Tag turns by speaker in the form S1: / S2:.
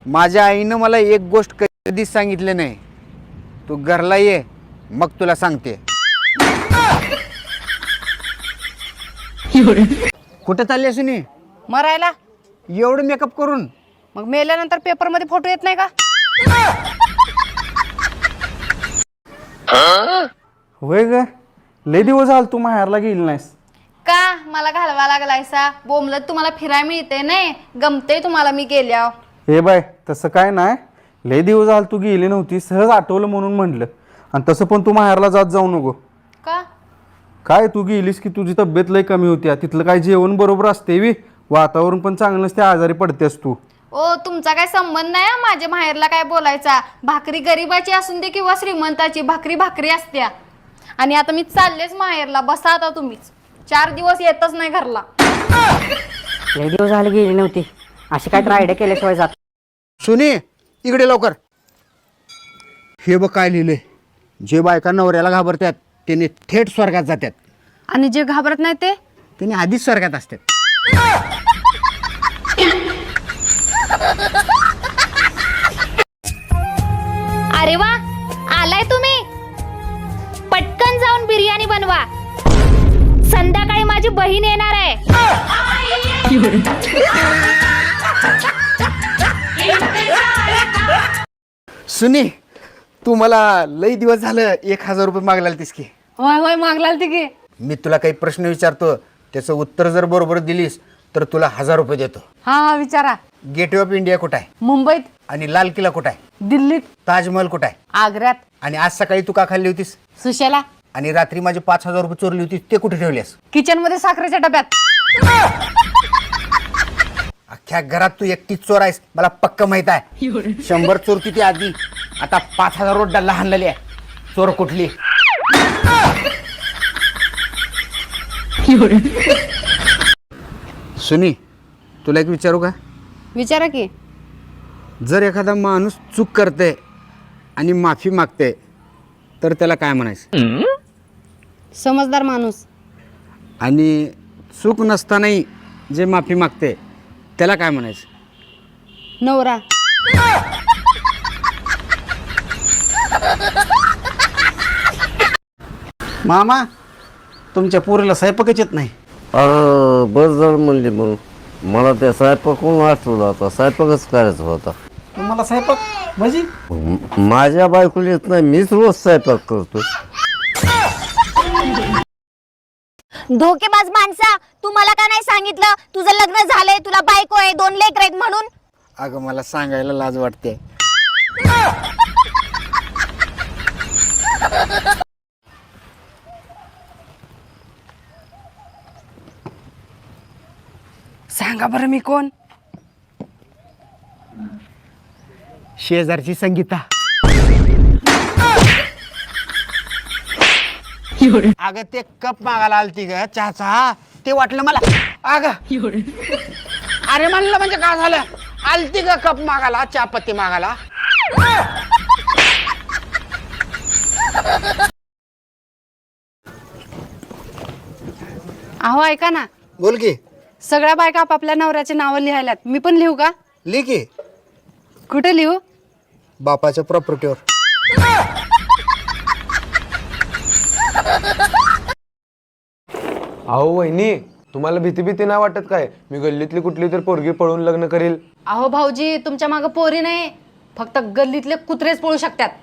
S1: माझ्या आईनं मला एक गोष्ट कधीच सांगितली नाही. तू घरला ये मग तुला सांगते. कुठं चालली सुनी?
S2: मरायला.
S1: एवढं मेकअप करून?
S2: मग मेल्यानंतर पेपर मध्ये फोटो येत नाही का?
S3: होय ग, लय दिवस झाल तू माहेरला गेली नाहीस.
S2: का मला घालवा लागलायसा? बोमलत तुम्हाला फिराय मिळते नाही, गमते तुम्हाला मी गेल्या.
S3: हे बाय तसं काय नाही, लय दिवस झाल तू गेली नव्हती, सहज आठवलं म्हणून म्हणलं. आणि तसं पण तू माहेरला जात जाऊ नको.
S2: का?
S3: काय तू गेलीस की तुझी तब्येत लय कमी होती, तिथलं काय जेवण बरोबर असते वी, वातावरण पण चांगलं नसते, आजारी पडतेस तू.
S2: ओ तुमचा काय संबंध नाही माझ्या माहेरला काय बोलायचा. भाकरी गरीबाची असून दे किंवा श्रीमंताची, भाकरी भाकरी असत्या. आणि आता मी चाललेच माहेरला, बसा आता तुम्हीच. 4 दिवस येतच नाही घरला.
S4: लय दिवस झाले गेली नव्हती, अशी काय तर आयडिया केल्याशिवाय जात.
S1: सुनी इकडे लवकर. हे बघ काय लिहिलंय. जे बायका नवऱ्याला घाबरतात त्याने थेट स्वर्गात जातात,
S2: आणि जे घाबरत नाही ते
S1: त्याने आधीच स्वर्गात असतात.
S5: अरे वा, आलाय तुम्ही. पटकन जाऊन बिर्याणी बनवा, संध्याकाळी माझी बहीण येणार आहे.
S1: सुनी तू मला लई दिवस झालं 1000 रुपये मागला तीस की.
S2: होय होय मागलाल ती की.
S1: मी तुला काही प्रश्न विचारतो, त्याचं उत्तर जर बरोबर दिलीस तर तुला 1000 रुपये देतो.
S2: हा हा विचारा.
S1: गेटवे ऑफ इंडिया कुठं आहे?
S2: मुंबईत.
S1: आणि लाल किल्ला कुठं आहे?
S2: दिल्लीत.
S1: ताजमहल कुठं आहे?
S2: आग्र्यात.
S1: आणि आज सकाळी तू का खाल्ली होतीस?
S2: सुशेला.
S1: आणि रात्री माझे 5000 रुपये चोरली होती ते कुठे ठेवलेस?
S2: किचन मध्ये साखरेच्या डब्यात.
S1: अख्ख्या घरात तू एकटीच चोर आहेस, मला पक्क माहित आहे. 100 चोरती ती आधी, आता 5000 रोड लहान आहे. चोर कुठली? सुनी तुला एक विचारू का?
S2: विचारा की.
S1: जर एखादा माणूस चूक करते आणि माफी मागते तर त्याला काय म्हणायचं?
S2: समजदार माणूस.
S1: आणि चूक नसतानाही जे माफी मागते त्याला काय म्हणायचं?
S2: नवरा.
S1: मामा तुमच्या पोरीला स्वयंपाकच येत नाही.
S6: अरे बस जण म्हणली म्हणून मला त्या स्वयंपाकून आठवलं, आता स्वयंपाकच करायचा होता.
S3: तुम्हाला स्वयंपाक म्हणजे?
S6: माझ्या बायकोला येत नाही, मीच रोज स्वयंपाक करतो.
S5: धोकेबाज माणसा, तू मला का नाही सांगितलं तुझं लग्न झालंय, तुला बायको आहे, 2 लेकरं आहेत म्हणून?
S1: अगं मला सांगायला लाज वाटते.
S2: सांगा बरं मी कोण?
S1: शेजारची संगीता. अगं ते कप मागायला आलती ग चहाचा, ते वाटलं मला. अगं अरे म्हणलं म्हणजे काय झालं? आलती ग कप मागायला, चहापत्ती मागायला.
S2: अहो ऐका ना,
S1: बोल की.
S2: सगळ्या बायका आपापल्या नवऱ्याचे नाव लिहायल्यात, मी पण लिहू का?
S1: लिह की.
S2: कुठे लिहू?
S1: बापाच्या प्रॉपर्टीवर.
S7: अहो वहिनी, तुम्हाला भीती नाही वाटत काय? मी गल्लीतली कुठली तर पोरगी पळून लग्न करील.
S2: अहो भाऊजी, तुमच्या मागं पोरी नाही, फक्त गल्लीतले कुत्रेच पळू शकतात.